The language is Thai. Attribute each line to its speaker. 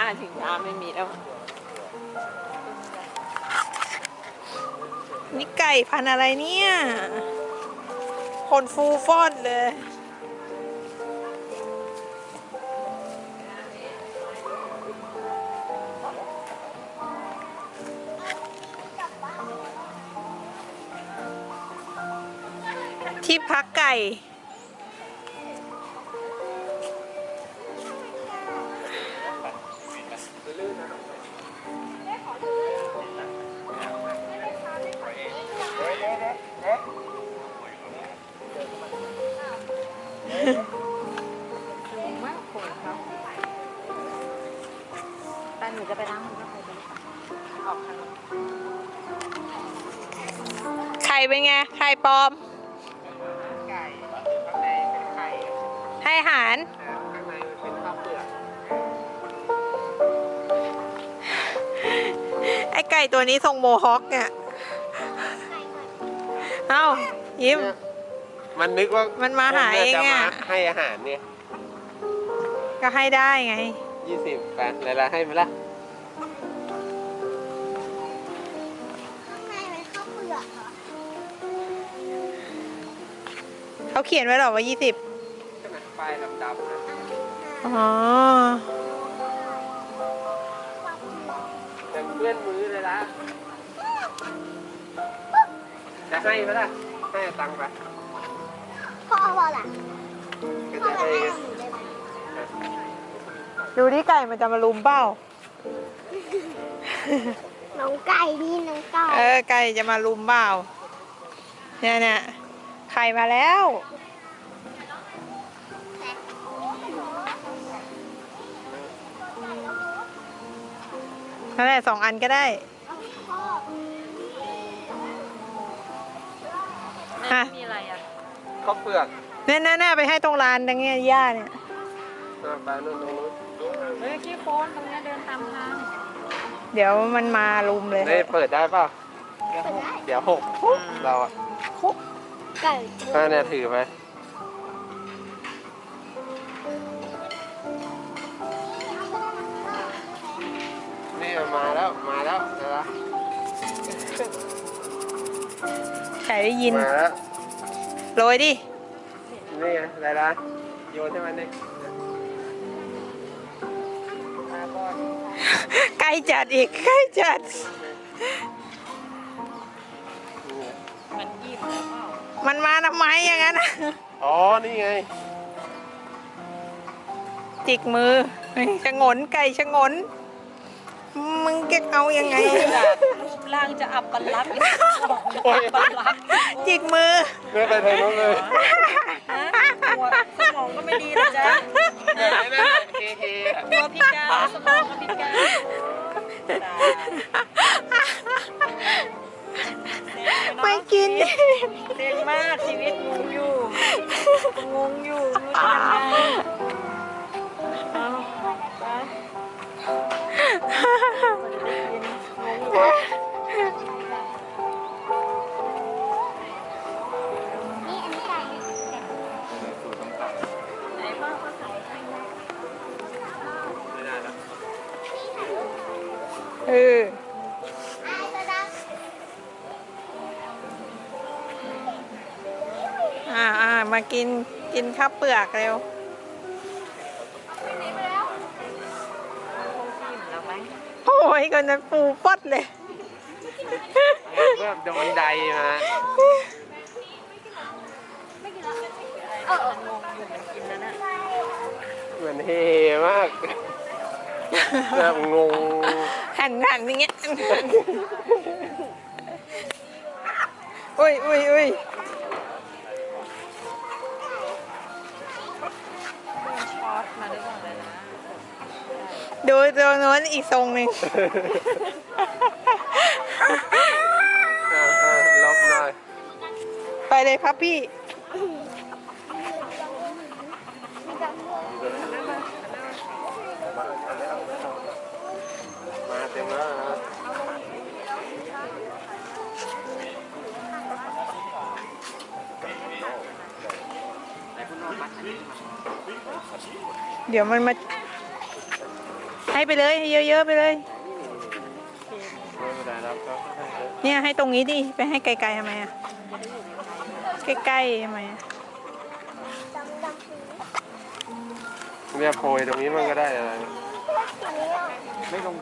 Speaker 1: ชิงช้าไม่มีแล้วนี่ไก่พันธุ์อะไรเนี่ยคนฟูฟอดเลยที่พักไก่สูงมากคนเขาแต่หนูจะไปล้างมือก็ไปออกทางไข่เป็นไงไข่ปลอมไก่ข้างในเป็นไข่ให้อาหารข้างในเป็นข้าวเปลือกไอไก่ตัวนี้ทรงโมฮอคเนี่ยเอ้ายิ้ม
Speaker 2: มันนึกว่า
Speaker 1: มันมาหาเองอ่ะ
Speaker 2: ให้อาหารเนี่ย
Speaker 1: ก็ให้ได้ไง
Speaker 2: 20 ไปเลยละให้ไหมล่ะ
Speaker 3: ข้างในเป็นข้าวเปลือกเหรอ
Speaker 1: เขาเขียนไว้หรอว่า20
Speaker 2: ป้ายดำๆนะ
Speaker 1: อ๋อ
Speaker 2: แต่เพื่อนมือเลยละจะให้ไหมล่ะให้ตังค์ไป
Speaker 3: พ่อเอาล่ะพ่อ
Speaker 2: จะ
Speaker 3: มา
Speaker 2: ให้
Speaker 3: ให้หนูได้ไหม
Speaker 1: ดูที่ไก่มันจะมาลุมเป้า
Speaker 3: น้องไก่นี่น้องไก่
Speaker 1: ไก่จะมาลุมเปล่าเนี่ยไข่มาแล้วนั่นแหละ2 อันก็ได้
Speaker 4: มีอะไรอ่ะ
Speaker 2: ข้าวเปลือก
Speaker 1: เนี่ยไปให้ตรงร้านตรงเนี้ยย่าเนี่ย
Speaker 2: ไปนู่นตรงนู้น
Speaker 4: เฮ้ยขี้โคนตรงนี้เดินตามทาง
Speaker 1: เดี๋ยวมันมาลุมเลย
Speaker 2: นี่เปิดได้เปล่าเดี๋ยว6เราอ่ะ
Speaker 3: ไก่
Speaker 2: เนี่ยถือไปนี่มาแล้วนะ
Speaker 1: ไก่ได้ยิน
Speaker 2: มาแล้ว
Speaker 1: โรยดิ
Speaker 2: นี่ไงอะไรล่ะโยนให้มันดิ
Speaker 1: ไก่จัดอีกไก่จัด
Speaker 4: มันยิ้มแล้วเปล่า
Speaker 1: มันมาทำไมอย่างนั้น
Speaker 2: อ๋อนี่ไง
Speaker 1: จิกมือชะงนไก่ชะงนมึงจะเอายังไง
Speaker 4: รูปร่างจะอับปลักษณ์
Speaker 1: จิกมือ
Speaker 2: ไม่ไปทางโน้นเลย
Speaker 4: หัวสมองก็ไม่ดีนะจ๊ะตัวพิการสมองก็พิการ
Speaker 1: ไม่กิน
Speaker 4: เด็กมากชีวิตงงอยู่รู้จะยังไงเอาไป
Speaker 3: นี่อันนี้ไก่
Speaker 4: ไหนพ่อเขาใส่ให้
Speaker 1: มากินข้าวเปลือกเร็วโอ้ยคนนั้นปูปดเลย
Speaker 2: โดนใดมาเหมือนเฮมากแบบงง
Speaker 1: หันอย่างเงี้ยอุ้ย
Speaker 4: ช็อตมาได้ก่อนเลยนะ
Speaker 1: ดูตัวโน้นอีกทรงหนึ่ง
Speaker 2: ลบหน่อย
Speaker 1: ไปเลยครับพี่
Speaker 2: มาเต็มแล้วนะ
Speaker 1: เดี๋ยวมันมาให้ไปเลยให้เยอะๆไปเลย
Speaker 2: ไม่เป็นไรแล้วก็ให้เยอะ
Speaker 1: เนี่ยให้ตรงนี้ดิไปให้ไกลๆทำไมอะใกล้ๆทำไมอะ
Speaker 3: ดำดำสี
Speaker 2: เนี่ยโปรยตรงนี้มันก็ได้อะไร
Speaker 3: สีนี้อ่ะ
Speaker 2: ไม่ลง